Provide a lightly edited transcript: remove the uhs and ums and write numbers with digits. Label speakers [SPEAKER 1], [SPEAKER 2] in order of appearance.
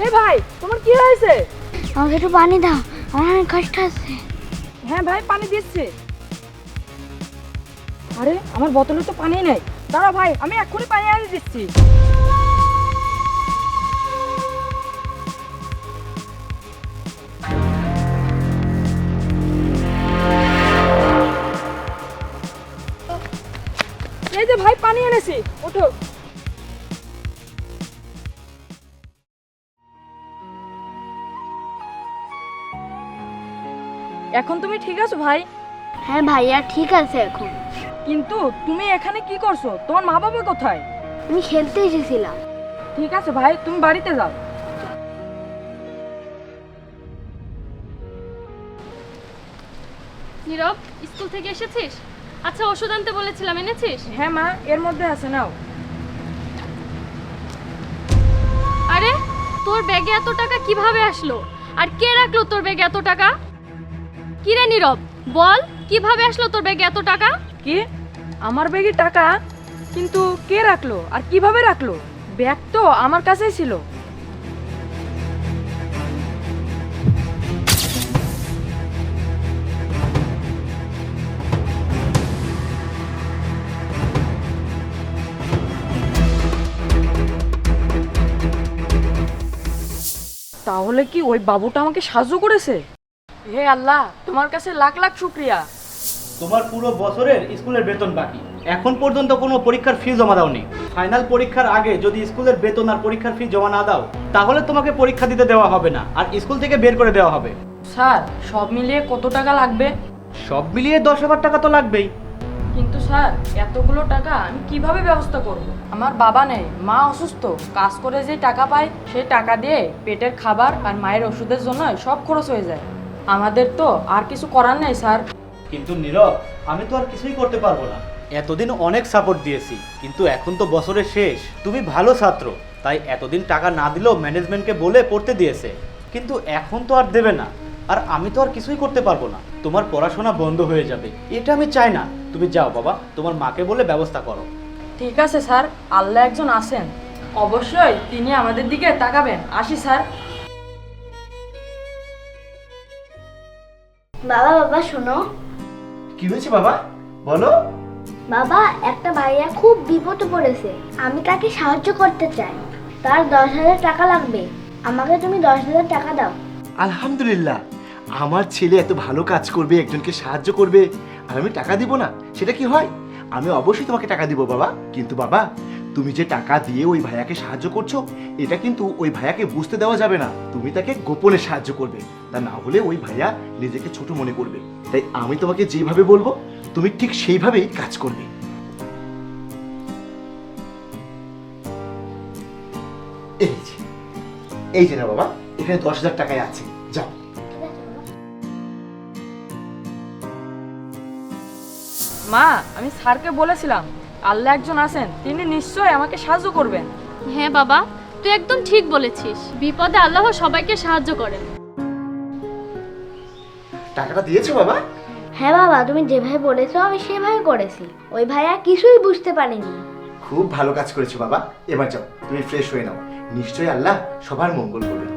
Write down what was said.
[SPEAKER 1] এই ভাই, তোমার কি হয়েছে?
[SPEAKER 2] আমাকে একটু পানি দাও, আমার অনেক কষ্ট আছে।
[SPEAKER 1] হ্যাঁ ভাই, পানি দিচ্ছি। আরে আমার বোতলে তো পানি নেই। দাঁড়া ভাই, আমি এক্ষুনি পানি এনে দিচ্ছি। এই যে ভাই, পানি এনেছি, ওঠো। এখন তুমি ঠিক আছো ভাই?
[SPEAKER 2] হ্যাঁ ভাইয়া, ঠিক আছে এখন।
[SPEAKER 1] কিন্তু তুমি এখানে কি করছো? তোমার মা বাবা কোথায়?
[SPEAKER 2] আমি খেলতে এসেছিলাম।
[SPEAKER 1] ঠিক আছে ভাই, তুমি বাড়িতে যাও।
[SPEAKER 3] নীরব, স্কুল থেকে এসেছিস? আচ্ছা, ওষুধ আনতে বলেছিলাম, এনেছিস?
[SPEAKER 1] হ্যাঁ মা, এর মধ্যে আছে, নাও।
[SPEAKER 3] আরে, তোর ব্যাগে এত টাকা কিভাবে আসলো? আর কে রাখলো তোর ব্যাগে এত টাকা? কি রে নীরব, বল, কিভাবে আসলো তোর ব্যাগে এত টাকা?
[SPEAKER 1] কি? আমার ব্যাগে টাকা? কিন্তু কে রাখলো আর কিভাবে রাখলো? ব্যাগ তো আমার কাছেই ছিল। তাহলে কি ওই বাবুটা আমাকে সাহায্য করেছে? হে আল্লাহ, তোমার কাছে লাখ লাখ শুকরিয়া।
[SPEAKER 4] তোমার পুরো বছরের স্কুলের বেতন বাকি, এখন পর্যন্ত কোনো পরীক্ষার ফি জমা দাওনি। ফাইনাল পরীক্ষার আগে যদি স্কুলের বেতন আর পরীক্ষার ফি জমা না দাও, তাহলে তোমাকে পরীক্ষা দিতে দেওয়া হবে না আর স্কুল থেকে বের করে দেওয়া হবে।
[SPEAKER 1] স্যার, সব মিলিয়ে কত টাকা লাগবে?
[SPEAKER 4] সব মিলিয়ে 10,000 টাকা তো লাগবেই।
[SPEAKER 1] কিন্তু স্যার, এতগুলো টাকা আমি কিভাবে ব্যবস্থা করব? আমার বাবা নেই, মা অসুস্থ। কাজ করে যে টাকা পাই, সেই টাকা দিয়ে পেটের খাবার আর মায়ের ওষুধের জন্য সব খরচ হয়ে যায়। আমাদের তো আর কিছু করার নেই স্যার।
[SPEAKER 4] কিন্তু নীরব, আমি তো আর কিছুই করতে পারবো না। এতদিন অনেক সাপোর্ট দিয়েছি, কিন্তু এখন তো বছরের শেষ। তুমি ভালো ছাত্র, তাই এতদিন টাকা না দিলেও ম্যানেজমেন্টকে বলে পড়তে দিয়েছে, কিন্তু এখন তো আর দেবে না। আর আমি তো আর কিছুই করতে পারবো না, তোমার পড়াশোনা বন্ধ হয়ে যাবে, এটা আমি চাই না। তুমি যাও বাবা, তোমার মাকে বলে ব্যবস্থা করো।
[SPEAKER 1] ঠিক আছে স্যার, আল্লাহ একজন আছেন, অবশ্যই তিনি আমাদের দিকে তাকাবেন। আসি স্যার।
[SPEAKER 2] বাবা বাবা শোনো।
[SPEAKER 4] কি হয়েছে বাবা, বলো।
[SPEAKER 2] বাবা, একটা ভাইয়া খুব বিপদে পড়েছে, আমি তাকে সাহায্য করতে চাই। তার 10,000 টাকা লাগবে, আমাকে তুমি 10,000 টাকা দাও।
[SPEAKER 5] আলহামদুলিল্লাহ, আমার ছেলে এত ভালো কাজ করবে, একজনকে সাহায্য করবে, আর আমি টাকা দিব না? সেটা কি হয়? আমি অবশ্যই তোমাকে টাকা দিব বাবা। কিন্তু বাবা, তুমি যে টাকা দিয়ে ওই ভাইয়াকে সাহায্য করছো, এটা কিন্তু ওই ভাইয়াকে বুঝতে দেওয়া যাবে না। তুমি তাকে গোপনে সাহায্য করবে, তা না হলে ওই ভাইয়া নিজেকে ছোট মনে করবে। তাই আমি তোমাকে যেভাবে বলবো, তুমি ঠিক সেইভাবেই কাজ করবে। এই যে না বাবা, এখানে 10,000 টাকায় আছে, যাও।
[SPEAKER 1] মা, আমি স্যারকে বলেছিলাম আল্লাহ একজন আছেন, তিনি নিশ্চয়ই আমাকে সাহায্য করবেন।
[SPEAKER 3] হ্যাঁ বাবা, তুই একদম ঠিক বলেছিস, বিপদে আল্লাহ সবাইকে সাহায্য করেন।
[SPEAKER 5] টাকাটা দিয়েছো বাবা?
[SPEAKER 2] হ্যাঁ বাবা, তুমি যেভাবে বলেছো আমি সেভাবে করেছি। ওই ভাইয়া কিছুই বুঝতে পারেনি।
[SPEAKER 5] খুব ভালো কাজ করেছো বাবা। এবার যাও, তুমি ফ্রেশ হয়ে নাও, নিশ্চয়ই আল্লাহ সবার মঙ্গল করবে।